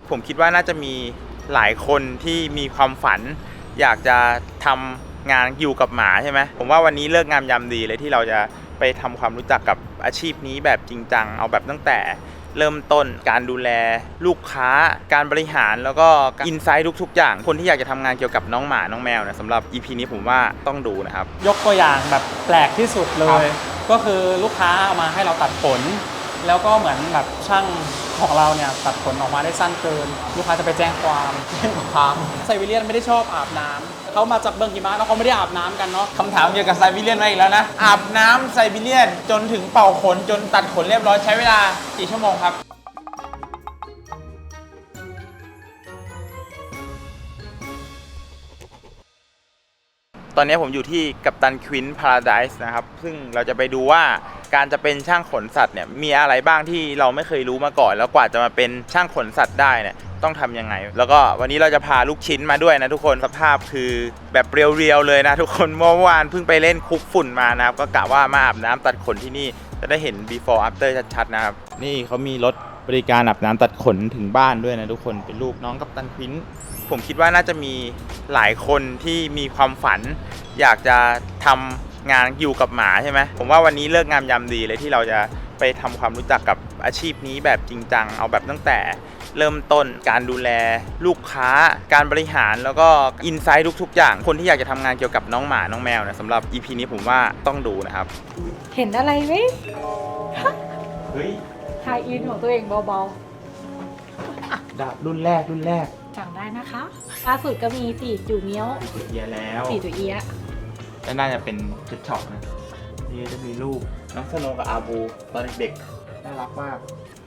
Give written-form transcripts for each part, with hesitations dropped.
ผมคิดว่าน่าจะมีหลายคนที่มีความฝันอยากจะทำงานอยู่กับหมาใช่ไหมผมว่าวันนี้เลิกงามยามดีเลยที่เราจะไปทำความรู้จักกับอาชีพนี้แบบจริงจังเอาแบบตั้งแต่เริ่มต้นการดูแลลูกค้าการบริหารแล้วก็อินไซต์ทุกๆอย่างคนที่อยากจะทำงานเกี่ยวกับน้องหมาน้องแมวเนี่ยสำหรับ EP นี้ผมว่าต้องดูนะครับยกตัวอย่างแบบแปลกที่สุดเลย ก็คือลูกค้าเอามาให้เราตัดขนแล้วก็เหมือนแบบช่างของเราเนี่ยตัดขนออกมาได้สั้นเกินลูกค้าจะไปแจ้งความไซบีเรียนไม่ได้ชอบอาบน้ำเขามาจากเมืองหิมะแล้วเขาไม่ได้อาบน้ำกันเนาะคำถามเกี่ยวกับไซบีเรียนมาอีกแล้วนะอาบน้ำไซบีเรียนจนถึงเป่าขนจนตัดขนเรียบร้อยใช้เวลากี่ชั่วโมงครับตอนนี้ผมอยู่ที่กัปตันควินพาราไดซ์นะครับซึ่งเราจะไปดูว่าการจะเป็นช่างขนสัตว์เนี่ยมีอะไรบ้างที่เราไม่เคยรู้มาก่อนแล้วกว่าจะมาเป็นช่างขนสัตว์ได้เนี่ยต้องทำยังไงแล้วก็วันนี้เราจะพาลูกชิ้นมาด้วยนะทุกคนสภาพคือแบบเรียวๆเลยนะทุกคนเมื่อวานเพิ่งไปเล่นคุกฝุ่นมานะครับก็กะว่ามาอาบน้ำตัดขนที่นี่จะได้เห็น before after ชัดๆนะครับนี่เขามีรถบริการอาบน้ำตัดขนถึงบ้านด้วยนะทุกคนเป็นลูกน้องกัปตันควินผมคิดว่าน่าจะมีหลายคนที่มีความฝันอยากจะทำงานอยู่กับหมาใช่ไหมผมว่าวันนี้เลิกงามยามดีเลยที่เราจะไปทำความรู้จักกับอาชีพนี้แบบจริงจังเอาแบบตั้งแต่เริ่มต้นการดูแลลูกค้าการบริหารแล้วก็อินไซต์ทุกๆอย่างคนที่อยากจะทำงานเกี่ยวกับน้องหมาน้องแมวเนี่ยสำหรับ EP นี้ผมว่าต้องดูนะครับเห็นอะไรไหมเฮ้ยไฮอินของตัวเองเบาดาบรุ่นแรกๆสั่งได้นะคะล่าสุดก็มี4จูเมียวเอียแล้ว 4จูเอียและน่าจะเป็นเพชรช็อปนะนี่จะมีลูกน้องสโนกับอาบูตอนเด็กๆน่ารักมาก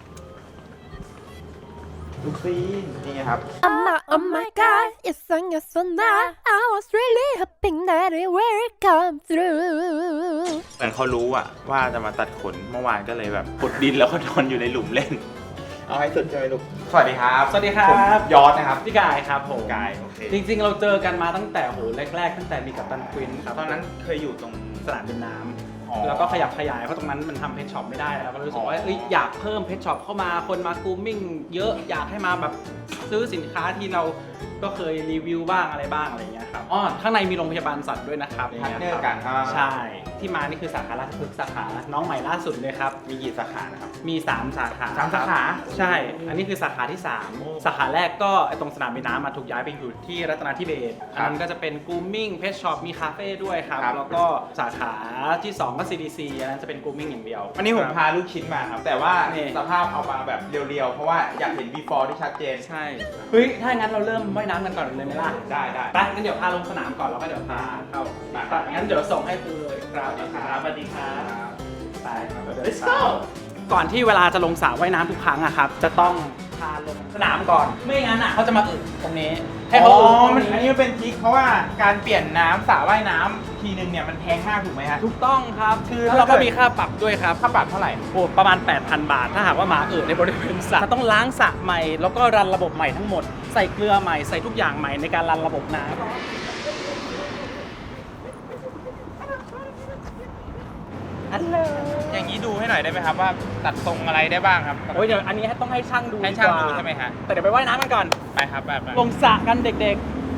ลูกซีนนี่ครับ Oh my god it's on your son I was really hoping that it will come through เหมือนเขารู้อะว่าจะมาตัดขนเมื่อวานก็เลยแบบขุดดินแล้วก็นอนอยู่ในหลุมเล่นเอาให้สุดใช่ไหมลูกสวัสดีครับสวัสดีครับยอดนะครับพี่กายครับผมกายโอเคจริงๆเราเจอกันมาตั้งแต่โหแรกๆตั้งแต่มีกัปตันควินครับตอนนั้นเคยอยู่ตรงสนามบินน้ำแล้วก็ขยับขยายเพราะตรงนั้นมันทำเพชช็อปไม่ได้แล้วก็รู้สึกว่าอยากเพิ่มเพชช็อปเข้ามาคนมากูมิ่งเยอะอยากให้มาแบบซื้อสินค้าที่เราก็เคยรีวิวบ้างอะไรบ้างอะไรเงี้ยครับข้างในมีโรงพยาบาลสัตว์ด้วยนะครับพาร์ทเนอร์กันใช่ที่มานี่คือสาขาราชพฤกษ์สาขาน้องใหม่ล่าสุดเลยครับมีกี่สาขานะครับมี3สาขา 3สาขาใช่อันนี้คือสาขาที่3สาขาแรกก็ตรงสนามบินน้ำมาถูกย้ายไปอยู่ที่รัตนาธิเบศอันนั้นก็จะเป็นกูมิ่งเพชช็อปมีคาเฟ่ด้วยครับแล้วก็สาขาที่2ก็ CDC อันนั้นจะเป็นกูมิ่งอย่างเดียววันนี้ผมพาลูกชิ้นมาครับแต่ว่าสภาพเอามาแบบเรียวๆเพราะว่าอยากเห็น before ที่ชัดเจนใช่เฮ้ยถ้างั้นเราเริ่มว่ายน้ำกันก่อนเลยไหมล่ะได้ไปงั้นเดี๋ยวพาลงสนามก่อนแล้วก็เดี๋ยวพาเข้างั้นเดี๋ยวส่งให้คุณเลยครับสวัสดีครับไป let's go ก่อนที่เวลาจะลงสระว่ายน้ำทุกครั้งอะครับจะต้องพาลงสนามก่อนไม่งั้นอะเขาจะมาอึตรงนี้ให้เขาอึอันนี้มันเป็นทริคเพราะว่าการเปลี่ยนน้ำสระว่ายน้ำทีนึงเนี่ยมันแพงมากถูกไหมฮะถูกต้องครับคือเราก็มีค่าปรับด้วยครับค่าปรับเท่าไหร่โอ้ประมาณ 8,000 บาทถ้าหากว่าหมาในบริเวณสระต้องล้างสระใหม่แล้วก็รันระบบใหม่ทั้งหมดใส่เกลือใหม่ใส่ทุกอย่างใหม่ในการรันระบบน้ำอย่างนี้ดูให้หน่อยได้ไหมครับว่าตัดทรงอะไรได้บ้างครับโอ้ยเดี๋ยวอันนี้ต้องให้ช่างดูให้ช่างดูใช่ไหมฮะแต่เดี๋ยวไปว่ายน้ำกันก่อนไปครับไปลงสระกันเด็ก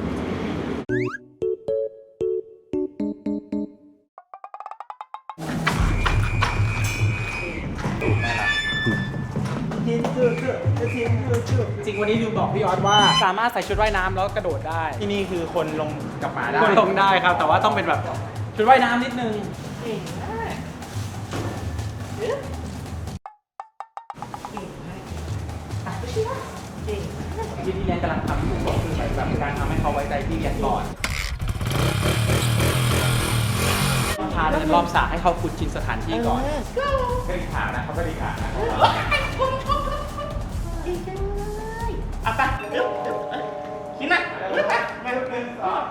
จริงวันนี้ดูบอกพี่ออสว่าสามารถใส่ชุดว่ายน้ำแล้วกระโดดได้ที่นี่คือคนลงกับหมาได้คนลงได้ครับแต่ว่าต้องเป็นแบบชุดว่ายน้ำนิดนึงที่เรียนกำลังทำอยู่ก็คือแบบการทำให้เขาไว้ใจที่เรียนก่อนพาเดินรอบสระให้เขาคุ้นชินสถานที่ก่อนกระดิกขานะเขากระดิกขานะดีจังเลยไปกินนะมาลูกเดินต่อ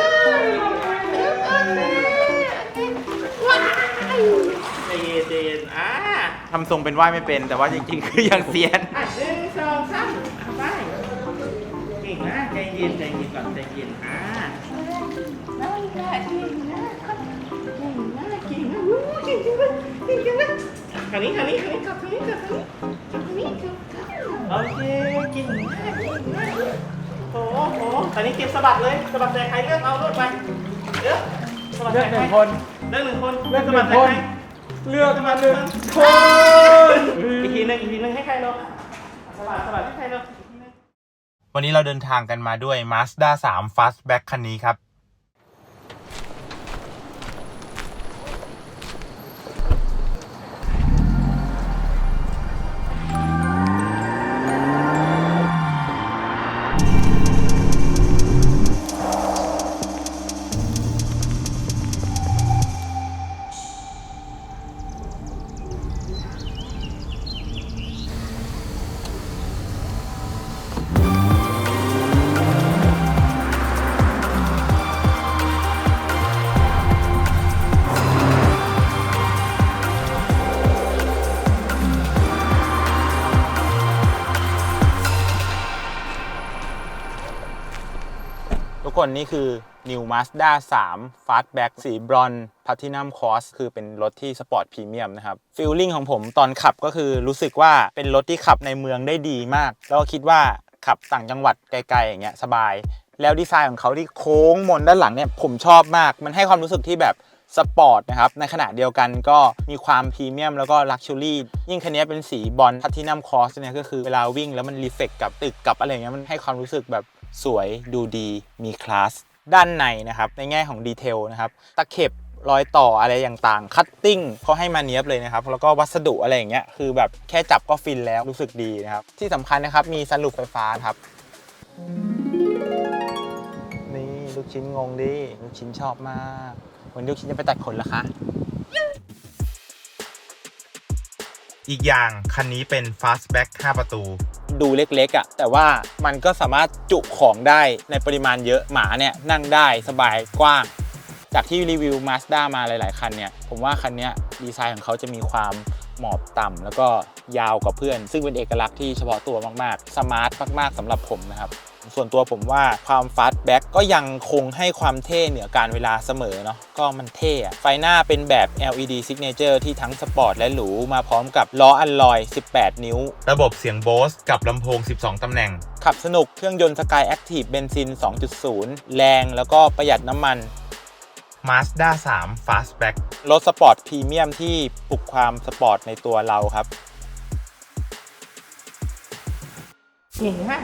เจนทำทรงเป็นว่ายไม่เป็นแต่ว่าจริงๆคือยังเซียน1 2 3ไปเก่งนะใจเย็นก่อนใจเย็นน่ารักเก่งนะเก่งนะเก่งนะเก่งจังเลยทางนี้กลับทางนี้โอเคเก่งมากตอนนี้เก็บสะบัดเลยสะบัดใจใครเลือกเอาลูกไปเลือกสะบัดเลืใจอกใคร 1 คนเลือก1 คนเลือกสะบัดใจ 1 คนใครเลือกมา1 คนอีกทีหนึงให้ใครลูกสะบัดให้ใครลูกวันนี้เราเดินทางกันมาด้วย Mazda 3 Fastback คันนี้ครับ ทุกคนนี่คือ New Mazda 3 Fastback สีบรอนซ์ Platinum Cross คือเป็นรถที่สปอร์ตพรีเมียมนะครับฟีลลิ่งของผมตอนขับก็คือรู้สึกว่าเป็นรถที่ขับในเมืองได้ดีมากแล้วก็คิดว่าขับต่างจังหวัดไกลๆอย่างเงี้ยสบายแล้วดีไซน์ของเขาที่โค้งมนด้านหลังเนี่ยผมชอบมากมันให้ความรู้สึกที่แบบสปอร์ตนะครับในขณะเดียวกันก็มีความพรีเมียมแล้วก็ลักชัวรี่ยิ่งคันนี้เป็นสีบรอนซ์ Platinum Cross เนี่ยก็คือเวลาวิ่งแล้วมันรีเฟล็กกับตึกกับอะไรเงี้ยมันให้ความรู้สึกแบบสวยดูดีมีคลาสด้านในนะครับในแง่ของดีเทลนะครับตะเข็บรอยต่ออะไรต่างๆคัตติ้งเขาให้มาเนียบเลยนะครับแล้วก็วัสดุอะไรอย่างเงี้ยคือแบบแค่จับก็ฟินแล้วรู้สึกดีนะครับที่สำคัญนะครับมีซันรูฟไฟฟ้าครับนี่ลูกชิ้นงงดิลูกชิ้นชอบมากวันนี้ลูกชิ้นจะไปตัดขนเหรอคะอีกอย่างคันนี้เป็น Fastback 5 ประตูดูเล็กๆอ่ะแต่ว่ามันก็สามารถจุของได้ในปริมาณเยอะหมาเนี่ยนั่งได้สบายกว้างจากที่รีวิว Mazda มาหลายๆคันเนี่ยผมว่าคันนี้ดีไซน์ของเขาจะมีความหมอบต่ำแล้วก็ยาวกว่าเพื่อนซึ่งเป็นเอกลักษณ์ที่เฉพาะตัวมากๆสมาร์ทมากๆสำหรับผมนะครับส่วนตัวผมว่าความ Fastback ก็ยังคงให้ความเท่เหนือการเวลาเสมอเนาะก็มันเท่อะไฟหน้าเป็นแบบ LED Signature ที่ทั้งสปอร์ตและหรูมาพร้อมกับล้ออัลลอย 18 นิ้วระบบเสียง Bose กับลำโพง 12 ตำแหน่งขับสนุกเครื่องยนต์ Sky Active เบนซิน 2.0 แรงแล้วก็ประหยัดน้ำมัน Mazda 3 Fastback รถสปอร์ตพรีเมียมที่ปลุกความสปอร์ตในตัวเราครับเก่งมาก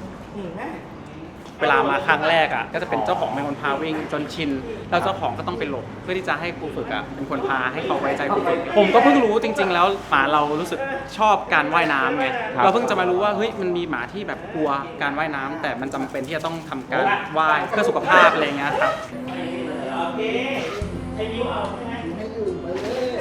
เวลามาครั้งแรกอ่ะก็จะเป็นเจ้าของเป็นคนพาวิ่งจนชินแล้วเจ้าของก็ต้องไปหลบเพื่อที่จะให้ครูฝึกอ่ะเป็นคนพาให้เขาไว้ใจครูฝึกผมก็เพิ่งรู้จริงๆแล้วหมาเรารู้สึกชอบการว่ายน้ำไงเราเพิ่งจะมารู้ว่าเฮ้ยมันมีหมาที่แบบกลัวการว่ายน้ำแต่มันจำเป็นที่จะต้องทำการว่ายเพื่อสุขภาพอะไรเงี้ยครับโอเคใช้นิ้วเอาใช่ไหมให้ดื่มไปเลย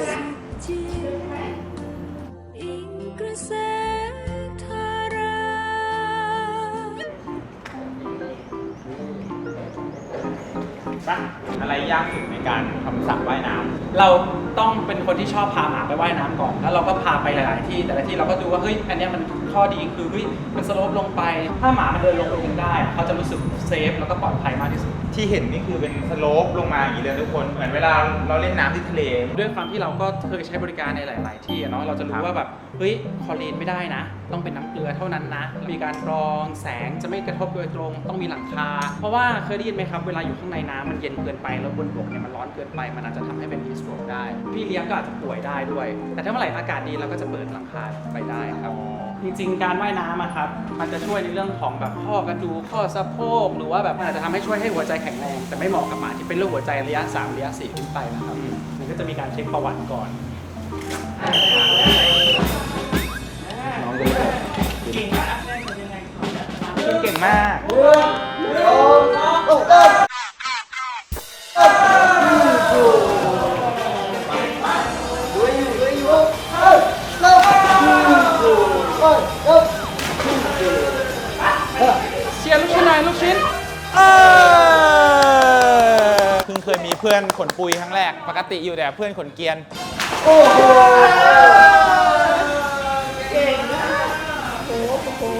อะไรยากสุดในการทำสระว่ายน้ำเราต้องเป็นคนที่ชอบพาหมาไปว่ายน้ำก่อนแล้วเราก็พาไปหลายๆที่แต่ละที่เราก็ดูว่าเฮ้ยอันนี้มันข้อดีคือเฮ้ยมันสโลปลงไปถ้าหมามันเดินลงไปเองได้เขาจะรู้สึกเซฟแล้วก็ปลอดภัยมากที่สุดที่เห็นนี่คือเป็นสโลปลงมาอย่างนี้เลยทุกคนเหมือนเวลาเราเล่นน้ำที่ทะเลด้วยความที่เราก็เคยใช้บริการในหลายๆที่เนาะเราจะรู้ว่าแบบเฮ้ยคลอรีนไม่ได้นะต้องเป็นน้ำเกลือเท่านั้นนะมีการกรองแสงจะไม่กระทบโดยตรงต้องมีหลังคาเพราะว่าเคยได้ยินไหมครับเวลาอยู่ข้างในน้ำมันเย็นเกินไปแล้วบนบกเนี่ยมันร้อนเกินไปมันอาจจะทำให้เป็นฮีทสโตรกได้พี่เลี้ยงก็อาจจะป่วยได้ด้วยแต่ถ้าเมื่อไหร่อากาศดีเราก็จะเปิดหลังคาไปได้ครับจริงๆการว่ายน้ำอะครับมันจะช่วยในเรื่องของแบบข้อกระดูกข้อสะโพกหรือว่าแบบมันอาจจะทำให้ช่วยให้หัวใจแข็งแรงแต่ไม่เหมาะกับหมาที่เป็นโรคหัวใจระยะ3ระยะ4ขึ้นไปนะครับมันก็จะมีการเช็คประวัติก่อนน้องเก่งมากเชียร์ลูกชิ้นหน่อยลูกชิ้นเพิ่งเคยมีเพื่อนขนปุยครั้งแรกปกติอยู่แต่เพื่อนขนเกียนโอ้โหเก่งมากโอ้โห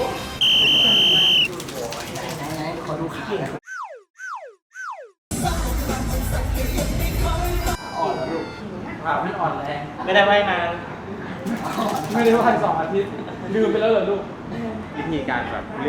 ไหนขอดูขาอ่อนแล้วลูกขาไม่อ่อนแรงไม่ได้ว่ายนานไม่ได้ว่าย2 อาทิตย์ลืมไปแล้วเหรอลูกวิธีการแบบเลือก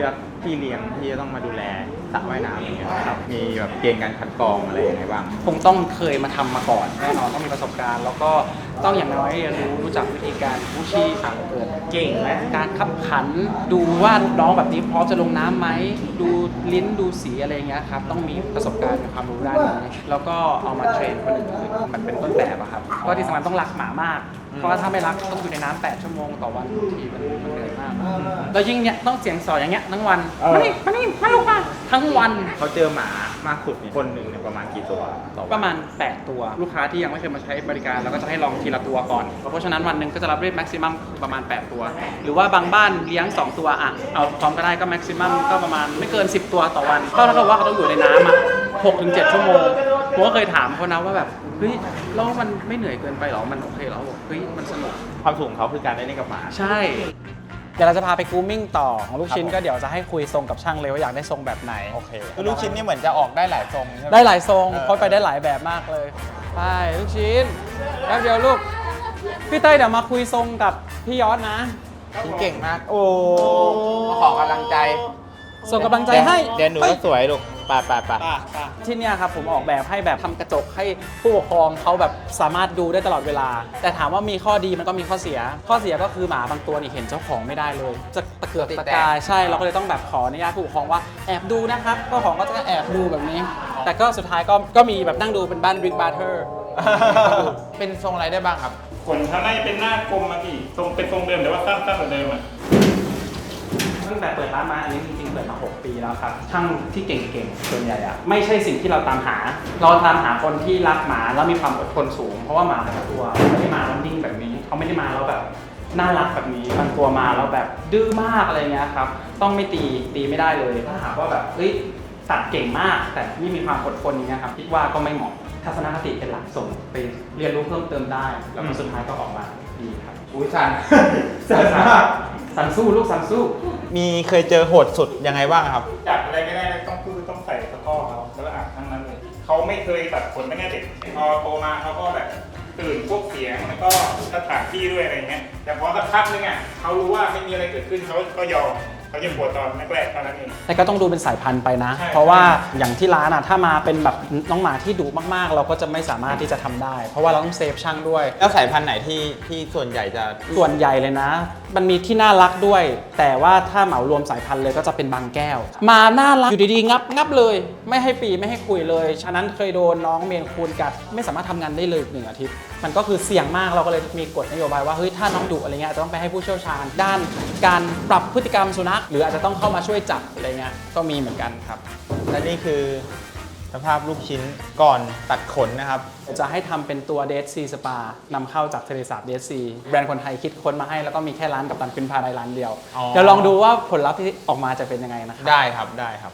พี่เลี้ยงที่จะต้องมาดูแลสระว่ายน้ำอย่างเงี้ยครับมีแบบเกณฑ์การคัดกรองอะไรยังไงบ้างคงต้องเคยมาทำมาก่อนแน่นอนต้องมีประสบการณ์ แล้วก็ต้องอย่างน้อยเรียนรู้จักวิธีการกู้ชีพเกิดเก่งและการขับขัน ดูว่าน้องแบบนี้พร้อมจะลงน้ำไหมดูลิ้นดูสีอะไรอย่างเงี้ยครับต้องมีประสบการณ์มีความรู้ด้านนี้แล้วก็เอามาเทรนคนอื่นมันเป็นต้นแบบอะครับก็ที่สำคัญต้องรักหมามาก เพราะว่าถ้าไม่รักต้องอยู่ในน้ำ8 ชั่วโมงต่อวันทีมันเหนื่อยมากแล้วยิ่งเนี้ยต้องเสียงสออย่างเงี้ยทั้งวันมานี่มาลงมาทั้งวันเขาเจอหมามากสุดเนี่ยคนหนึ่งเนี่ยประมาณกี่ตัวต่อวันประมาณ 8 ตัวลูกค้าที่ยังไม่เคยมาใช้บริการเราก็จะให้ลองทีละตัวก่อน เพราะฉะนั้นวันหนึ่งก็จะรับได้แม็กซิมัมประมาณ 8 ตัว หรือว่าบางบ้านเลี้ยง 2 ตัวอ่ะเอาพร้อมก็ได้ก็แม็กซิมัมก็ประมาณไม่เกิน 10 ตัวต่อวันก็เท่ากับว่าเขาต้องอยู่ในน้ำอ่ะ 6-7 ชั่วโมงผมก็เคยถามเขานะว่าแบบเฮ้ยแล้วมันไม่เหนื่อยเกินไปหรอมันโอเคเหรอบอกเฮ้ยมันสนุกความสูงของเขาคือการได้เล่นกับหมาใช่ เดี๋ยวเราจะพาไปกรูมมิ่งต่อของลูกชิ้นก็เดี๋ยวจะให้คุยทรงกับช่างเลยว่าอยากได้ทรงแบบไหนโอเคคือลูกชิ้นนี่เหมือนจะออกได้หลายทรงใช่ไหมได้หลายทรงเพราะไปได้หลายแบบมากเลยไปลูกชิ้นแป๊บเดียวลูกพี่เต้ยเดี๋ยวมาคุยทรงกับพี่ยอดนะชิ้นเก่งมาก โอ้มาขอกำลังใจส่งกำลังใจให้เดี๋ยวหนูก็สวยลูกป่าที่เนี่ยครับผมออกแบบให้แบบทำกระจกให้ผู้ปกครองเขาแบบสามารถดูได้ตลอดเวลา แต่ถามว่ามีข้อดีมันก็มีข้อเสีย ข้อเสียก็คือหมาบางตัวนี่เห็นเจ้าของไม่ได้เลย จะตะเกียกตะกายใช่เราก็เลยต้องแบบขออนุญาตผู้ปกครองว่าแอบดูนะครับเจ้าของก็จะแอบดูแบบนี้ แต่ก็สุดท้ายก็มีแบบนั่งดูเป็นบ้านบิ๊กบาร์เทอร์เป็นทรงอะไรได้บ้างครับขนเขาน่าจะเป็นหน้ากลมอะพี่ทรงเป็นทรงเดิมแต่ว่าสั้นกว่าเดิมอะตั้งแต่เปิดร้านมาอันนี้จริงๆเปิดมา 6 ปีแล้วครับช่างที่เก่งๆส่วนใหญ่อะไม่ใช่สิ่งที่เราตามหา เราตามหาคนที่รักหมาแล้วมีความอดทนสูง เพราะว่าหมาแต่ละตัวไม่ได้มาแล้วนิ่งแบบนี้เขาไม่ได้มาแล้วแบบน่ารักแบบนี้บางตัวมาแล้วแบบดื้อมากอะไรเงี้ยครับต้องไม่ตีไม่ได้เลยถ้าหากว่าแบบเฮ้ยตัดเก่งมาก แต่ไม่มีความอดทนอย่างเงี้ยครับคิดว่าก็ไม่เหมาะทัศนคติเป็นหลักส่งไปเรียนรู้เพิ่มเติมได้แล้วก็สุดท้ายก็ออกมาดีครับอุ้ยสันสันสู้ลูกสันสู้มีเคยเจอโหดสุดยังไงบ้างครับจับอะไรไม่ได้ต้องใส่ตะกร้อเขาแล้วก็อาบทั้งนั้นเลยเขาไม่เคยตัดขนตั้งแต่เด็กพอโตมาเขาก็แบบตื่นพวกเสียงแล้วก็สถานที่ด้วยอะไรเงี้ยแต่พอสักพักนึงอ่ะเขารู้ว่าไม่มีอะไรเกิดขึ้นเขาก็ยอมเขาจะปวดตอนแรกๆเท่านั้นเองแต่ก็ต้องดูเป็นสายพันธุ์ไปนะใช่เพราะว่าอย่างที่ร้านอ่ะถ้ามาเป็นแบบน้องหมาที่ดุมากๆ เราก็จะไม่สามารถที่จะทำได้ เพราะว่าเราต้องเซฟช่างด้วยแล้วสายพันธุ์ไหนที่ส่วนใหญ่จะส่วนใหญ่เลยนะ มันมีที่น่ารักด้วย แต่ว่าถ้าเหมารวมสายพันธุ์เลยก็จะเป็นบางแก้ว มาน่ารักอยู่ดีๆงับเลย ไม่ให้ปีไม่ให้คุยเลย ฉะนั้นเคยโดนน้องเมนคูนกัดไม่สามารถทำงานได้เลย1 อาทิตย์ มันก็คือเสี่ยงมากเราก็เลยมีกฎนโยบายว่าเฮ้ยถ้าน้องดุอะไรเงี้ยอาจจะต้องไปให้ผู้เชี่ยวชาญด้านการปรับพฤติกรรมสุนัขหรืออาจจะต้องเข้ามาช่วยจับอะไรเงี้ยก็มีเหมือนกันครับและนี่คือสภาพลูกชิ้นก่อนตัดขนนะครับจะให้ทำเป็นตัว Dead Sea Spa นำเข้าจากทะเลสาบ Dead Sea แบรนด์คนไทยคิดค้นมาให้แล้วก็มีแค่ร้านกับตันฟินพาไดร้านเดียวอ๋อเดี๋ยวลองดูว่าผลลัพธ์ที่ออกมาจะเป็นยังไงนะครับได้ครับ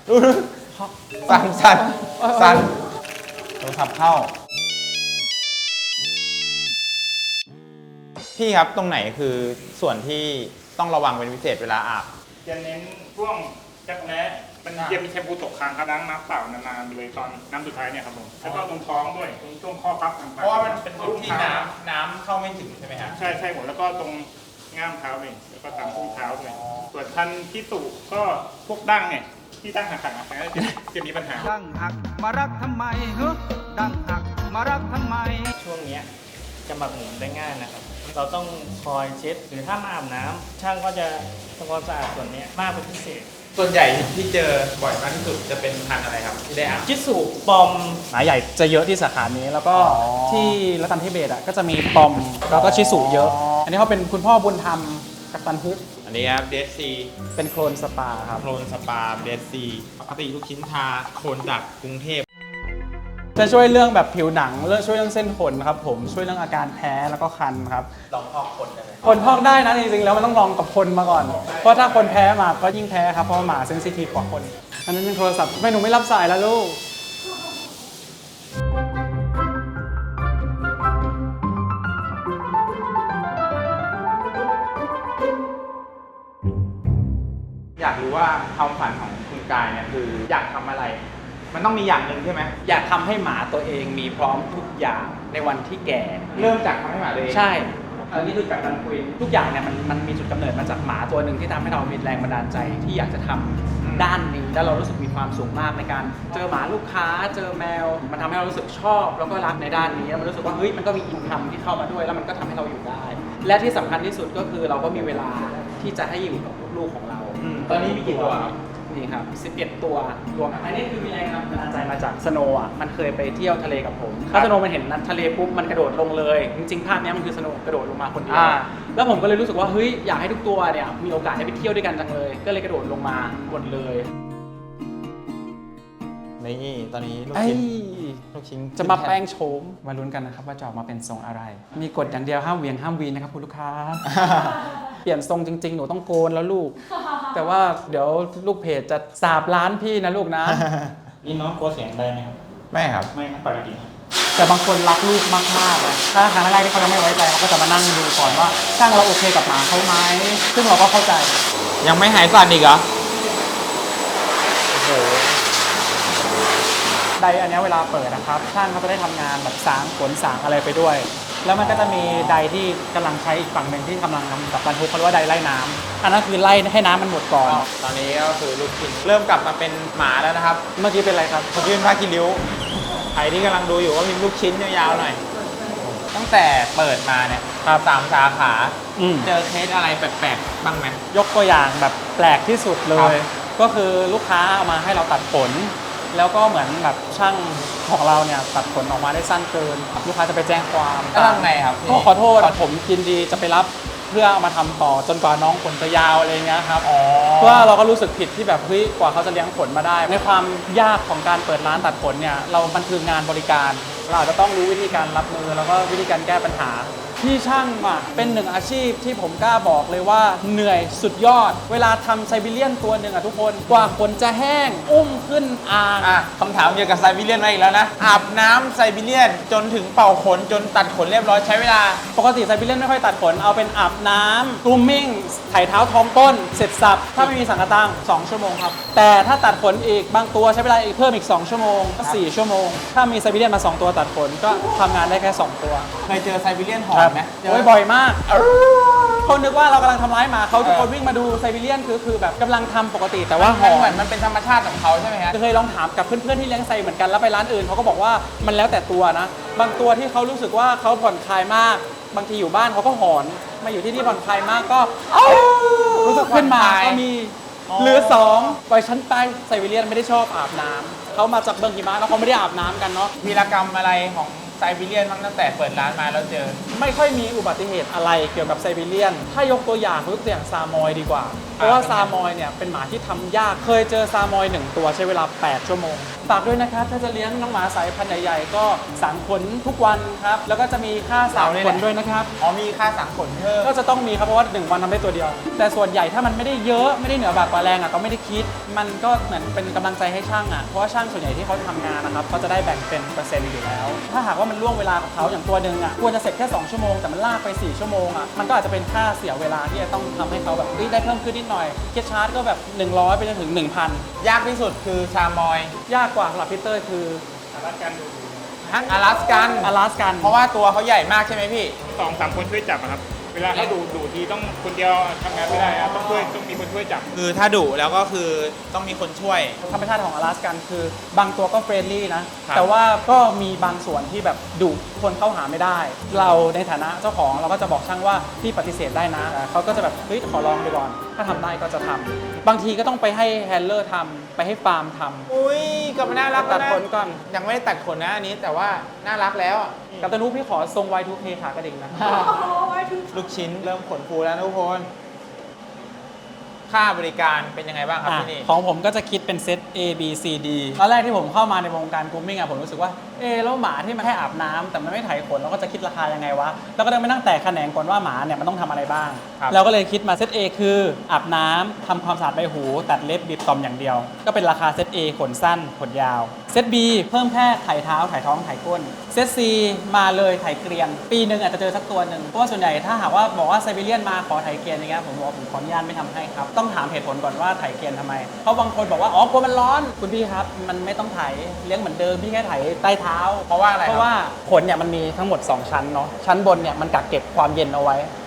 สั่นโทรศัพท์เข้า พี่ครับตรงไหนคือส่วนที่ต้องระวังเป็นพิเศษเวลาอาบจะเน้นช่วงจักรแร้มันจะมีแชมพูตกค้างครับล้างน้ำเปล่านานๆเลยตอนน้ำสุดท้ายเนี่ยครับผมแล้วก็ตรงท้องด้วยตรงช่วงข้อพับต่างๆเพราะว่ามันเป็นรูปที่น้ำเข้าไม่ถึงใช่ไหมฮะใช่หมดแล้วก็ตรงง่ามเท้าเองแล้วก็ตามส้นเท้าด้วยส่วนทันที่ตุก็พวกดั้งเนี่ยที่ตั้งหักๆจะมีปัญหาดังหักมารักทำไมเฮ้ดังหักมารักทำไมช่วงเนี้ยจะหมักหมมได้ง่ายนะครับ เราต้องคอยเช็ดหรือถ้ามาอาบน้ำช่างก็จะทำความสะอาดส่วนเนี้ยมากเป็นพิเศษส่วนใหญ่ที่เจอบ่อยมากที่สุดจะเป็นพันธุ์อะไรครับที่ได้อาบจิสุปอมหมาใหญ่จะเยอะที่สาขานี้แล้วก็อ๋อที่รัตันทิเบตอ่ะก็จะมีปอมแล้วก็ชิสุเยอะ อันนี้เขาเป็นคุณพ่อบุญธรรมกับตันฮุกอันนี้ครับเดซซีเป็นโคลนสปาครับโคลนสปาเดซซีปกติลูกชิ้นทาโคลนจากกรุงเทพจะช่วยเรื่องแบบผิวหนังช่วยเรื่องเส้นขนครับผมช่วยเรื่องอาการแพ้แล้วก็คันครับลองพอกคนได้ไหมคนพอกได้นะจริงๆแล้วมันต้องลองกับคนมาก่อน เพราะถ้าคนแพ้หมาก็ยิ่งแพ้ครับเพราะว่าหมาเซนซิทีฟกว่าคนอันนั้นยังโทรศัพท์ไม่หนูไม่รับสายแล้วลูกอยากรู้ว่าความฝันของคุณกายเนี่ยคืออยากทำอะไร มันต้องมีอย่างหนึ่งใช่ไหมอยากทำให้หมาตัวเองมีพร้อมทุกอย่างในวันที่แก่เริ่มจากทำให้หมาตัวเองใช่อันนี้คือกับตันคุยทุกอย่างเนี่ยมันมีจุดกำเนิดมาจากหมาตัวหนึ่งที่ทำให้เรามีแรงบันดาลใจที่อยากจะทำด้านนี้แล้วเรารู้สึกมีความสุขมากในการเจอหมาลูกค้าเจอแมวมันทำให้เรารู้สึกชอบแล้วก็รักในด้านนี้แล้วมันรู้สึกว่าเฮ้ยมันก็มีอินคัมที่เข้ามาด้วยแล้วมันก็ทำให้เราอยู่ได้ และที่สำคัญที่สุดก็คือเราก็มีเวลาที่จะให้อยู่กับลูกๆของเราตอนนี้มีกี่ตัวครับนี่ครับ 11 ตัวรวมอันนี้คือมีแรงบันดาลใจมาจากสโนว์อ่ะมันเคยไปเที่ยวทะเลกับผมถ้าสโนว์มันเห็นทะเลปุ๊บมันกระโดดลงเลยจริงๆภาพนี้มันคือสโนว์กระโดดลงมาคนเดียวแล้วผมก็เลยรู้สึกว่าเฮ้ยอยากให้ทุกตัวเนี่ยมีโอกาสได้ไปเที่ยวด้วยกันจังเลยก็เลยกระโดดลงมาหมดเลยนี่ตอนนี้ลูกไอ้ชิ้นลูกชิ้นจะมาแปลงโฉมมาลุ้นกันนะครับว่าจะออกมาเป็นทรงอะไร มีกฎอย่างเดียวห้ามเหวียงห้ามวีนนะครับคุณลูกค้า เปลี่ยนทรงจริงๆหนูต้องโกนแล้วลูก แต่ว่าเดี๋ยวลูกเพจจะสาบร้านพี่นะลูกนะนี่น้องกลัวเสียงได้ไหมครับไม่ครับไม่ครับปกติแต่บางคนรักลูกมากๆเลยถ้าครั้งแรกที่เขายังไม่ไว้ใจเขาก็จะมานั่งดูก่อนว่าช่างเราโอเคกับหมาเขาไหมซึ่งเราก็เข้าใจยังไม่หายสั่นอีกเหรอ โอ้โหไดอันเนี้ยเวลาเปิดนะครับช่างเขาจะได้ทำงานแบบสางขนสางอะไรไปด้วย แล้วมันก็จะมีไดที่กำลังใช้อีกฝั่งหนึ่งที่กำลังทำกับบรรทุกเขาเรียกว่าไดไล่น้ำอันนั้นคือไล่ให้น้ำมันหมดก่อนตอนนี้ก็คือลูกชิ้นเริ่มกลับมาเป็นหมาแล้วนะครับเมื่อกี้เป็นอะไรครับเมื่อกี้เป็นผ้าคีริ้วใครที่กำลังดูอยู่ก็มีลูกชิ้นยาวๆหน่อย ตั้งแต่เปิดมาเนี่ย3 สาขา เจอเคสอะไรแปลกๆบ้างไหมยกตัวอย่างแบบแปลกที่สุดเลครับย ก็คือลูกค้าเอามาให้เราตัดขนแล้วก็เหมือนแบบช่างของเราเนี่ยตัดขนออกมาได้สั้นเกิน ลูกค้าจะไปแจ้งความแล้วทำไงครับก็ขอโทษผมยินดีจะไปรับเพื่อเอามาทำต่อจนกว่าน้องขนจะยาวอะไรเงี้ยครับอ๋อเพราะว่าเราก็รู้สึกผิดที่แบบเฮ้ยกว่าเขาจะเลี้ยงขนมาได้ ในความยากของการเปิดร้านตัดขนเนี่ยมันคืองานบริการเราอาจจะต้องรู้วิธีการรับมือแล้วก็วิธีการแก้ปัญหาที่ช่างอ่ะเป็นหนึ่งอาชีพที่ผมกล้าบอกเลยว่าเหนื่อยสุดยอด เวลาทำไซบีเรียนตัวหนึ่งอ่ะทุกคนกว่าขนจะแห้งอุ้มขึ้นอ่างคำถามเกี่ยวกับไซบีเรียนมาอีกแล้วนะ อาบน้ำไซบีเรียนจนถึงเป่าขนจนตัดขนเรียบร้อยใช้เวลาปกติไซบีเรียนไม่ค่อยตัดขนเอาเป็นอาบน้ำกรูมมิ่งไถเท้าท้องต้นเสร็จสับถ้าไม่มีสังกะตัง2 ชั่วโมงครับแต่ถ้าตัดขนอีกบางตัวใช้เวลาอีกเพิ่มอีก2 ชั่วโมงก็4 ชั่วโมงถ้ามีไซบีเรียนมา2 ตัวตัดขนก็ทำงานได้แค่2 ตัวเคยเจอไซบีเรียนหอนไหมโอ้ยบ่อยมากคนนึกว่าเรากำลังทำร้ายหมาเขาทุกคนวิ่งมาดูไซบีเรียนคือแบบกำลังทำปกติแต่ว่าหมันอเหมืนอนมันเป็นธรรมชาติของเขาใช่ไหมฮะเคยลองถามกับเพื่อนๆที่เลี้ยงไซเหมือนกันแล้วไปร้านอื่นเขาก็บอกว่ามันแล้วแต่ตัวนะ บางตัวที่เขารู้สึกว่าเขาผ่อนคลายมาก บางทีอยู่บ้านเขาก็หอนมาอยู่ที่นี่ผ่อนคลายมากก็รู้สึกขึ้นมาก็มีหรือ2ปล่อยฉันไปไซบีเรียนไม่ได้ชอบอาบน้ำเขามาจากเมืองหิมะแล้วเขาไม่ได้อาบน้ำกันเนาะวีรกรรมอะไรของไซบีเรียนบ้างตั้งแต่เปิดร้านมาแล้วเจอไม่ค่อยมีอุบัติเหตุอะไรเกี่ยวกับไซบีเรียน ถ้ายกตัวอย่างยกตัวอย่างซามอยดีกว่า เพราะว่าซามอยเนี่ยเป็นหมาที่ทำยาก เคยเจอซามอย1 ตัวใช้เวลา8 ชั่วโมง ฝากด้วยนะครับ ถ้าจะเลี้ยงน้องหมาสายพันธุ์ใหญ่ๆก็สางขนทุกวันครับ แล้วก็จะมีค่าสางขนด้วยนะครับอ๋อมีค่าสังขนเพิ่มก็จะต้องมีครับเพราะว่า1 วันทำได้ตัวเดียว แต่ส่วนใหญ่ถ้ามันไม่ได้เยอะไม่ได้เหนือบากกว่าแรงอ่ะก็ไม่ได้คิด มันก็เหมือนเป็นกำลังใจให้ช่างอ่ะเพราะว่าช่างส่วนใหญ่ที่เขาทำงานนะครับเขาจะได้แบ่งเป็นเปอร์เซ็นต์อยู่แล้ว ถ้าหากว่ามันล่วงเวลาของเขาอย่างตัวหนึ่งอ่ะควรจะเสร็จแค่2 ชั่วโมงแต่มันลากไป4 ชั่วโมงอ่ะมันก็อาจจะเป็นค่าเสียเวลาที่จะต้องทำให้เขาแบบได้เพิ่มขึ้นนิดหน่อยเคสชาร์จก็แบบ100ไปจนถึง 1,000 ยากที่สุดคือชามอยยากกว่าสำหรับพีเตอร์คือรัดกันดูอลาสกันอลาสกันเพราะว่าตัวเขาใหญ่มากใช่ไหมพี่ 2-3 คนช่วยจับอะครับ เวลาให้ดูทีต้องคนเดียวทำงานไม่ได้ครับต้องมีคนช่วยจับคือถ้าดุแล้วก็คือต้องมีคนช่วยธรรมชาติของอลาสกันคือบางตัวก็เฟรนลี่นะ แต่ว่าก็มีบางส่วนที่แบบดุคนเข้าหาไม่ได้ เราในฐานะเจ้าของเราก็จะบอกช่างว่าพี่ปฏิเสธได้นะเขาก็จะแบบเฮ้ยขอลองดูก่อน ถ้าทำได้ก็จะทำบางทีก็ต้องไปให้แฮนเลอร์ทำไปให้ฟาร์มทำอุ้ยกลับมาน่ารักตัแล้วดนะขนก่อนยังไม่ได้ตัดขนนะอันนี้แต่ว่าน่ารักแล้วอะกับตนุพี่ขอทรง Y2K ขากระดิ่งนะลูกชิ้นเริ่มขนฟูแล้วนะทุกคน ค่าบริการเป็นยังไงบ้างครับที่นี่ของผมก็จะคิดเป็นเซต A B C D ตอนแรกที่ผมเข้ามาในวงการกรูมมิ่งผมรู้สึกว่าแล้วหมาที่มันแค่อาบน้ำแต่มันไม่ไถขนเราก็จะคิดราคายังไงวะแล้วก็ต้องไปนั่งแตกแขนงก่อนว่าหมาเนี่ยมันต้องทำอะไรบ้าง เราก็เลยคิดมาเซต A คืออาบน้ำทำความสะอาดใบหูตัดเล็บบีบตอมอย่างเดียว ก็เป็นราคาเซต A ขนสั้นขนยาวเซต B เพิ่มแค่ไถเท้าไถท้องไถก้นเซต C มาเลยไถเกรียนปีหนึ่งอาจจะเจอสักตัวหนึ่งเพราะว่าส่วนใหญ่ถ้าหากว่าบอกว่าไซบีเรียนมาขอไถเกรียนอย่างเงี้ยผมบอกว่าผมขออนุญาตไม่ทำให้ครับต้องถามเหตุผลก่อนว่าไถเกรียนทำไมเพราะบางคนบอกว่าอ๋อกลัวมันร้อนคุณพี่ครับมันไม่ต้องไถเลี้ยงเหมือนเดิมพี่แค่ไถใต้เท้าเพราะว่าอะไรเพราะว่าขนเนี่ยมันมีทั้งหมด2 ชั้นเนาะชั้นบนเนี่ยมันกักเก็บความเย็นเอาไว้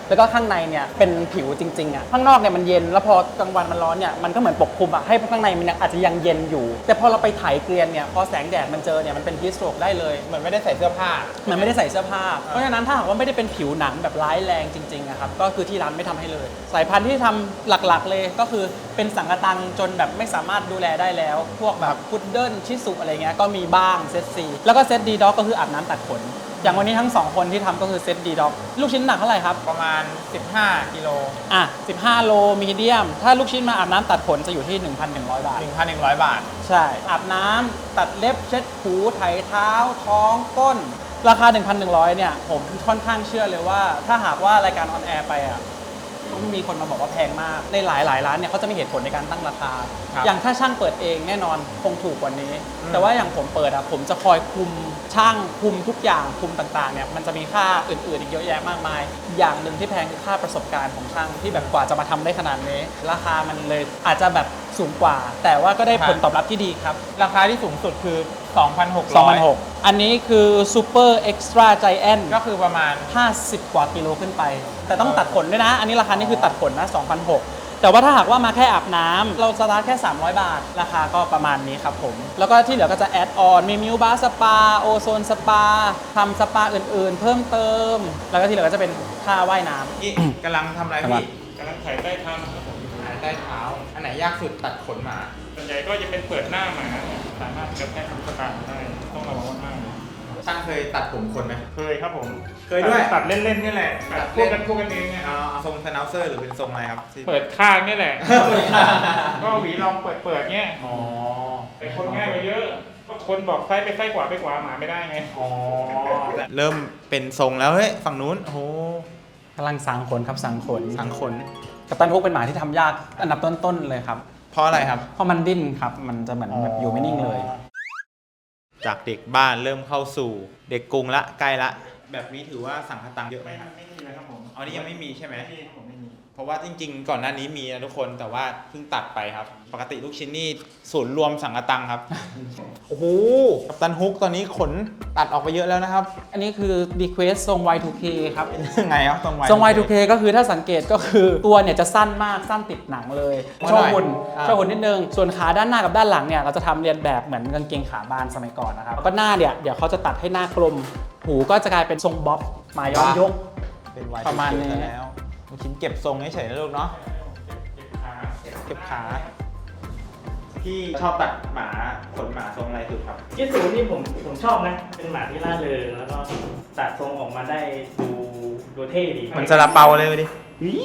แล้วก็ข้างในเนี่ยเป็นผิวจริงๆอ่ะข้างนอกเนี่ยมันเย็นแล้วพอกลางวันมันร้อนเนี่ยมันก็เหมือนปกคลุมอ่ะให้ข้างในมันอาจจะยังเย็นอยู่แต่พอเราไปไถเกลียนเนี่ยพอแสงแดดมันเจอเนี่ยมันเป็นฮีทสโตรกได้เลยเหมือนไม่ได้ใส่เสื้อผ้ามันไม่ได้ใส่เสื้อผ้าเพราะฉะนั้นถ้าหากว่าไม่ได้เป็นผิวหนังแบบร้ายแรงจริงๆอะครับก็คือที่ร้านไม่ทำให้เลยสายพันธุ์ที่ทำหลักๆเลยก็คือเป็นสังกะตังจนแบบไม่สามารถดูแลได้แล้วพวกแบบพุดเดิ้ลชิสุอะไรเงี้ยก็มีบ้างเซตซีแล้วก็เซตดีด็อกก็คืออาบน้ำตัดขนอย่างวันนี้ทั้ง2คนที่ทำก็คือเซตดีด็อกลูกชิ้นหนักเท่าไหร่ครับประมาณ 15 กิโลอ่ะ15 โลมีเดียมถ้าลูกชิ้นมาอาบน้ำตัดขนจะอยู่ที่ 1,100 บาท 1,100 บาทใช่อาบน้ำตัดเล็บเช็ดหูไถเท้าท้องก้นราคา 1,100 เนี่ยผมค่อนข้างเชื่อเลยว่าถ้าหากว่ารายการออนแอร์ไปอ่ะต้องมีคนมาบอกว่าแพงมากในหลายร้านเนี่ยเขาจะมีเหตุผลในการตั้งราคาครับอย่างถ้าช่างเปิดเองแน่นอนคงถูกกว่านี้ แต่ว่าอย่างผมเปิดอ่ะผมจะคอยคุมช่างคุมทุกอย่างคุมต่างๆเนี่ยมันจะมีค่าอื่นๆอีกเยอะแยะมากมายอย่างหนึ่งที่แพงคือค่าประสบการณ์ของช่างที่แบบกว่าจะมาทำได้ขนาดนี้ราคามันเลยอาจจะแบบสูงกว่า แต่ว่าก็ได้ผลตอบรับที่ดีครับราคาที่สูงสุดคือ 2,600 2,600 อันนี้คือซูเปอร์เอ็กซ์ตร้าไจแอนก็คือประมาณ 50 กว่ากิโลขึ้นไป แต่ต้องตัดขนด้วยนะ อันนี้ราคานี่คือตัดขนนะ 2,600 แต่ว่าถ้าหากว่ามาแค่อาบน้ำเราสตาร์ทแค่ 300 บาท ราคาก็ประมาณนี้ครับผม แล้วก็ที่เหลือก็จะแอดออนมีมิวบาร์สปาโอโซนสปาทำสปาอื่นๆ เพิ่มเติม แล้วก็ที่เหลือก็จะเป็นค่าว่ายน้ำนี่กำลังทำอะไรครับพี่กำลังถ่ายใต้เท้านะครับผมหายใต้เท้า อันไหนยากสุดตัดขนหมาส่วนใหญ่ก็จะเป็นเปิดหน้าหมาเนี่ยสามารถกระแทกลูกตาได้ต้องระวังมากๆช่างเคยตัดผมคนไหมเคยครับผมเคยด้วยตัดเล่นๆนี่แหละตัดพวกกันเองเนี่ยเอาทรงสแนลเซอร์หรือเป็นทรงอะไรครับที่เปิดข้างนี่แหละเปิดข้างก็หวีลองเปิดเงี้ยอ๋อแต่คนง่ายไปเยอะก็คนบอกซ้ายไปซ้ายขวาไปขวาหมาไม่ได้ไงอ๋อ เริ่มเป็นทรงแล้วเฮ้ยฝั่งนู้นโอ้โหกำลังสังขนครับสังขนสังขนกัปตันฮุกเป็นหมาที่ทำยากอันดับต้นๆเลยครับเพราะอะไรครับเพราะมันดิ้นครับมันจะเหมือนแบบอยู่ไม่นิ่งเลยจากเด็กบ้านเริ่มเข้าสู่เด็กกรุงละใกล้ละ แบบนี้ถือว่าสังคตังเยอะไหมครับไม่มีเลยครับผมอ๋อนี่ยังไม่มีใช่ไหมไม่มีผมไม่มีเพราะว่าจริงๆ ก่อนหน้านี้มีนะทุกคนแต่ว่าเพิ่งตัดไปครับ ปกติลูกชิ้นนี่ศูนย์รวมสังกตังครับ โอ้โหกัปตันฮุกตอนนี้ขนตัดออกไปเยอะแล้วนะครับอันนี้คือ request ทรง Y2K ครับเป็นยังไงครับตรงไว้ทรง Y2K ก็คือถ้าสังเกตก็คือตัวเนี่ยจะสั้นมากสั้นติดหนังเลยว่าโชหน่ว์อยหุ่นอ่าโชว์หุ่นนิดนึง ส่วนขาด้านหน้ากับด้านหลังเนี่ยเราจะทำเรียนแบบเหมือนกางเกงขาบานสมัยก่อนนะครับแล้วก็หน้าเนี่ยเดี๋ยวเขาจะตัดให้หน้ากลม หูก็จะกลายเป็นทรงบ๊อบมาย้อนยกเป็นไว้ประมาณนี้แล้วลูกชิ้นเก็บทรงเฉยๆนะลูกเนาะ เก็บขา พี่ชอบตัดหมาขนหมาทรงอะไรสุดครับชิสุนี่ผมชอบนะ เป็นหมาที่ร่าเริงแล้วก็ตัดทรงออกมาได้ดูเท่ดีมันซาลาเปาเลยดิ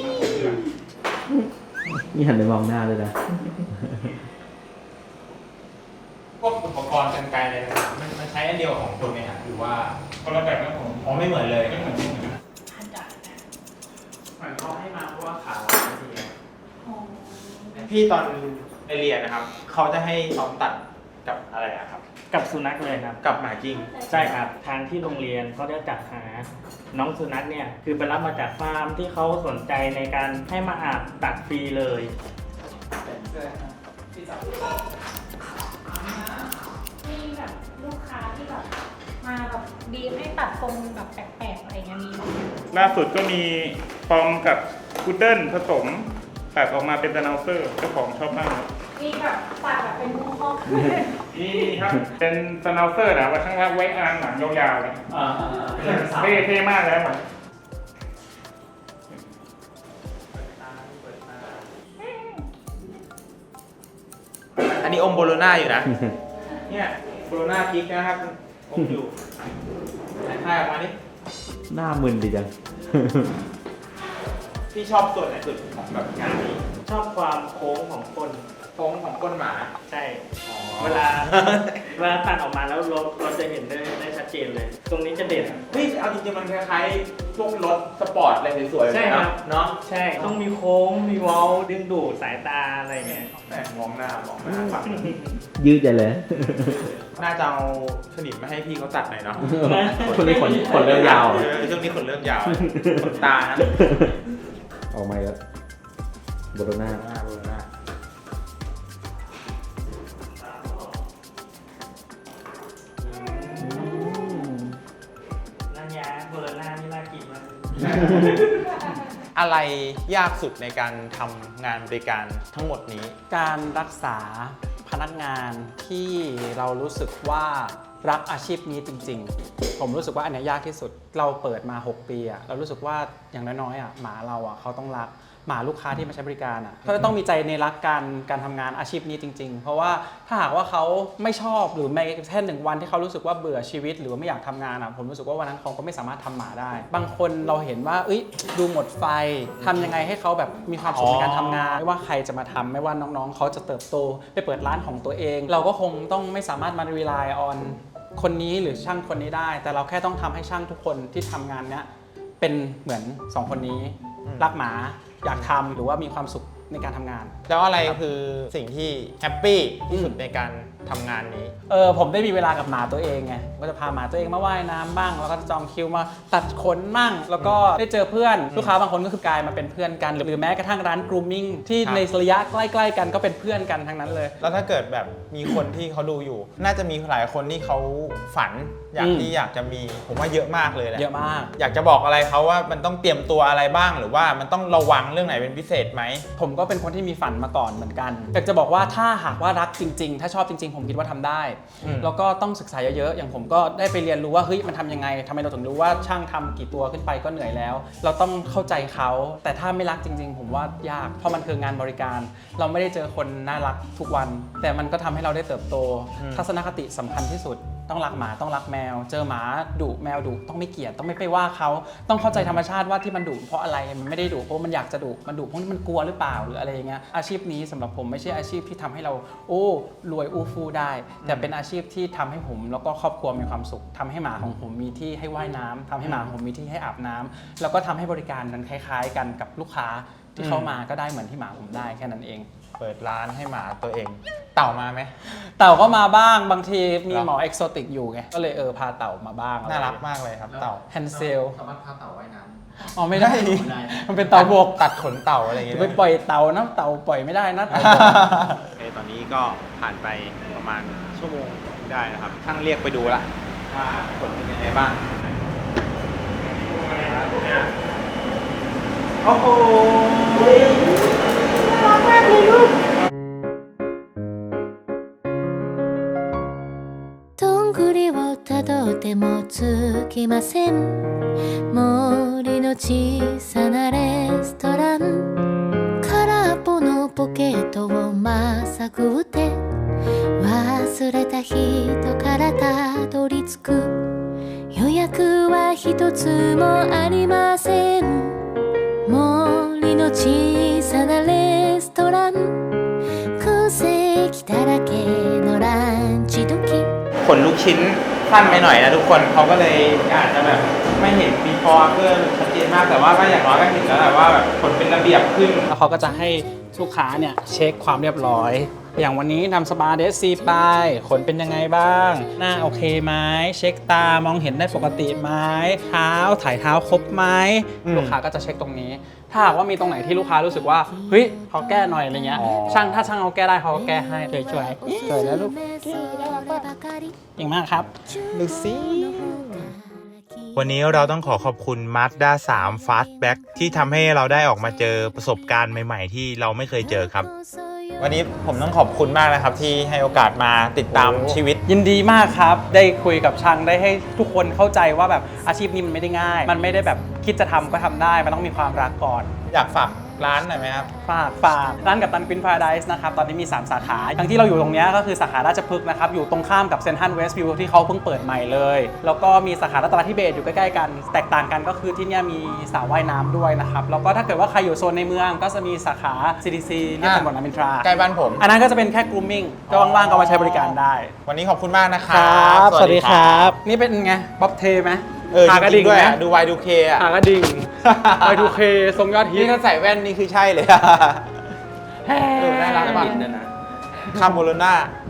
นี่หันไปมองหน้าเลยนะพวกอุปกรณ์กันไกลอะไรต่างๆมันใช้อันเดียวของคนไหมครับหรือว่าคนละแบบนะผมอ๋อไม่เหมือนเลยไม่เหมือนกันเหมือนเขาให้มาเพราะว่าขาพี่ตอนไปเรียนนะครับ เขาจะให้ซ้อมตัดกับอะไรอะครับกับสุนัขเลยครับกับหมาจริงใช่ครับ ทางที่โรงเรียนก็ได้จัดหาน้องสุนัขเนี่ย คือไปรับมาจากฟาร์มที่เขาสนใจในการให้มาอาบตัดฟรีเลยมีแบบลูกค้าที่แบบมาแบบบีบให้ตัดทรงแบบแปลกๆอะไรเงี้ยมีไหมล่าสุดก็มีปอมกับพุดเดิ้ลผสมตัดออกมาเป็นสแนลเซอร์เจ้าของชอบมากมีแบบตัดแบบเป็นมุ้งห้องนี่ครับ เป็นสแนลเซอร์นะไว้ข้างล่างไว้อ่างหลังยาวๆเลยเท่มากเลยครับอันนี้อมโบโลน่าอยู่นะ เนี่ยโบโลน่ากิ๊กนะครับอมอยู่ไหนคายออกมาดิหน้ามึนดีจังพี่ชอบส่วนไหนสุดของแบบงานนี้ชอบความโค้งของคนโค้งของก้นหมาใช่ เวลาตัดออกมาแล้วเราจะเห็นได้ชัดเจนเลย ตรงนี้จะเด่นเฮ้ยเอาจริงๆมันคล้ายๆพวกรถสปอร์ตอะไรสวยๆใช่ครับเนาะใช่ ต้องมีโค้ง มีเว้าดึงดูดสายตาอะไรเงี้ยแหมมองหน้ามองหน้าฝั่งยืดใจเลยน่าจะเอาสนิมมาให้พี่เขาตัดหน่อยเนาะคนนี้ขนเริ่มยาวช่วงนี้ขนเริ่มยาวขนตานะออกมาแล้วโบโลน่าโบโลน่านั่นยาเบอร์หน้านี่น่ากินมากอะไรยากสุดในการทำงานบริการทั้งหมดนี้การรักษาพนักงานที่เรารู้สึกว่ารักอาชีพนี้จริงๆ ผมรู้สึกว่าอันนี้ยากที่สุดเราเปิดมา6 ปีอะเรารู้สึกว่าอย่างน้อยๆหมาเราเขาต้องรักหมาลูกค้าที่มาใช้บริการเขาจะต้องมีใจในรักการทำงานอาชีพนี้จริงๆเพราะว่าถ้าหากว่าเขาไม่ชอบหรือแม้แค่1 วันที่เขารู้สึกว่าเบื่อชีวิตหรือว่าไม่อยากทำงานผมรู้สึกว่าวันนั้นเขาก็ไม่สามารถทำหมาได้ บางคนเราเห็นว่าดูหมดไฟทำยังไงให้เขาแบบมีความสุขในการทำงานไม่ว่าใครจะมาทำไม่ว่าน้องๆเขาจะเติบโตไปเปิดร้านของตัวเอง เราก็คงต้องไม่สามารถมา rely on คนนี้หรือช่างคนนี้ได้แต่เราแค่ต้องทำให้ช่างทุกคนที่ทำงานเนี้ยเป็นเหมือน2 คนนี้รักหมาอยากทำหรือว่ามีความสุขในการทำงานแล้วอะไรคือสิ่งที่แฮปปี้ที่สุดในการทำงานนี้ผมได้มีเวลากับหมาตัวเองไงก็จะพาหมาตัวเองมาว่ายน้ำบ้างแล้วก็จองคิวมาตัดขนบ้างแล้วก็ได้เจอเพื่อนลูกค้าบางคนก็คือกลายมาเป็นเพื่อนกันหรือแม้กระทั่งร้าน grooming ที่ในระยะใกล้ๆกันก็เป็นเพื่อนกันทั้งนั้นเลยแล้วถ้าเกิดแบบมีคนที่เขาดูอยู่ น่าจะมีหลายคนที่เขาฝันอยากจะมีผมว่าเยอะมากเลยแหละเยอะมากอยากจะบอกอะไรเขาว่ามันต้องเตรียมตัวอะไรบ้างหรือว่ามันต้องระวังเรื่องไหนเป็นพิเศษไหมผมก็เป็นคนที่มีฝันมาก่อนเหมือนกันอยากจะบอกว่าถ้าหากว่ารักจริงๆถ้าชอบจริงๆผมคิดว่าทำได้แล้วก็ต้องศึกษาเยอะๆอย่างผมก็ได้ไปเรียนรู้ว่าเฮ้ยมันทำยังไงทำไมเราถึงรู้ว่าช่างทำกี่ตัวขึ้นไปก็เหนื่อยแล้วเราต้องเข้าใจเขาแต่ถ้าไม่รักจริงๆผมว่ายากเพราะมันคืองานบริการเราไม่ได้เจอคนน่ารักทุกวันแต่มันก็ทำให้เราได้เติบโตทัศนคติสำคัญที่สุดต้องรักหมาต้องรักแมวเจอหมาดุแมวดุต้องไม่เกลียดต้องไม่ไปว่าเขาต้องเข้าใจธรรมชาติว่าที่มันดุเพราะอะไรมันไม่ได้ดุเพราะมันอยากจะดุมันดุเพราะมันกลัวหรือเปล่าหรืออะไรอย่างเงี้ยอาชีพนี้สำหรับผมไม่ใช่อาชีพที่ทำให้เรารวยอู้ฟู่ได้แต่เป็นอาชีพที่ทำให้ผมแล้วก็ครอบครัวมีความสุขทำให้หมาของผมมีที่ให้ว่ายน้ำทำให้หมาของผมมีที่ให้อาบน้ำแล้วก็ทำให้บริการนั้นคล้ายๆกันกับลูกค้าที่เข้ามาก็ได้เหมือนที่หมาผมได้แค่นั้นเองเปิดร้านให้หมาตัวเองเต่ามาไหมเต่าก็มาบ้างบางทีมีหมอเอกโซติกอยู่ไงก็เลยพาเต่ามาบ้างน่ารักมากเลยครับเต่าแฮนเซลสามารถพาเต่าว่ายน้ำอ๋อไม่ได้ มันเป็นเต่าบกตัดขนเต่าอะไรอย่างเงี้ยไปปล่อยเต่านะเต่าปล่อยไม่ได้นะเต่าบกตอนนี้ก็ผ่านไปประมาณชั่วโมงได้นะครับช่างเรียกไปดูละว่าผลเป็นยังไงบ้างโอ้โหน่ารักมากเลยลูกどんぐりをたどってもつきません森の小さなレストラン空っぽのポケットをまさぐって忘れた人からたどり着く予約は一つもありません森の小さなレストラン空席だらけのランチ時ขนลูกชิ้นสั้นไปหน่อยนะทุกคนเขาก็เลยอาจจะแบบไม่เห็น before after ชัดเจนมากแต่ว่าก็อย่างน้อยก็เห็นแล้วแหละว่าแบบขนเป็นระเบียบขึ้นแล้วเขาก็จะให้ลูกค้าเนี่ยเช็คความเรียบร้อยอย่างวันนี้นำสปาเดซีไปขนเป็นยังไงบ้างหน้าโอเคไหมเช็คตามองเห็นได้ปกติไหมเท้าถ่ายเท้าครบไหมลูกค้าก็จะเช็คตรงนี้ถ้าหากว่ามีตรงไหนที่ลูกค้ารู้สึกว่าเฮ้ยเขาแก้หน่อยอะไรเงี้ยถ้าช่างเขาแก้ได้เขาก็แก้ให้ช่วยแล้วลูกเก่งมากครับดูสิวันนี้เราต้องขอบคุณ Mazda 3 Fastback ที่ทำให้เราได้ออกมาเจอประสบการณ์ใหม่ๆที่เราไม่เคยเจอครับวันนี้ผมต้องขอบคุณมากนะครับที่ให้โอกาสมาติดตามชีวิตยินดีมากครับได้คุยกับช่างได้ให้ทุกคนเข้าใจว่าแบบอาชีพนี้มันไม่ได้ง่ายมันไม่ได้แบบคิดจะทำก็ทำได้มันต้องมีความรักก่อนอยากฝากร้านหน่อยไหมครับฝากร้านกัปตันกวินพาราไดส์นะครับตอนนี้มี3สาขาอย่างที่เราอยู่ตรงนี้ก็คือสาขาราชพฤกษ์นะครับอยู่ตรงข้ามกับเซ็นทรัลเวสต์วิวที่เขาเพิ่งเปิดใหม่เลยแล้วก็มีสาขารัตนทิเบศอยู่ใกล้ๆกันแตกต่างกันก็คือที่นี่มีสระว่ายน้ำด้วยนะครับแล้วก็ถ้าเกิดว่าใครอยู่โซนในเมืองก็จะมีสาขา CDC เรียบถนนรามอินทราใกล้บ้านผมอันนั้นก็จะเป็นแค่ grooming ก็ว่างๆก็มาใช้บริการได้วันนี้ขอบคุณมากนะครับสวัสดีครับนี่เป็นไงบ๊อบเทไหมหากระดิ่งด้วยดู Y2K อ่ะหากระดิ่ง Y2K ทรงยอดฮิตนี่ถ้าใส่แว่นนี่คือใช่เลยน่ารักมากคาโมโลน่า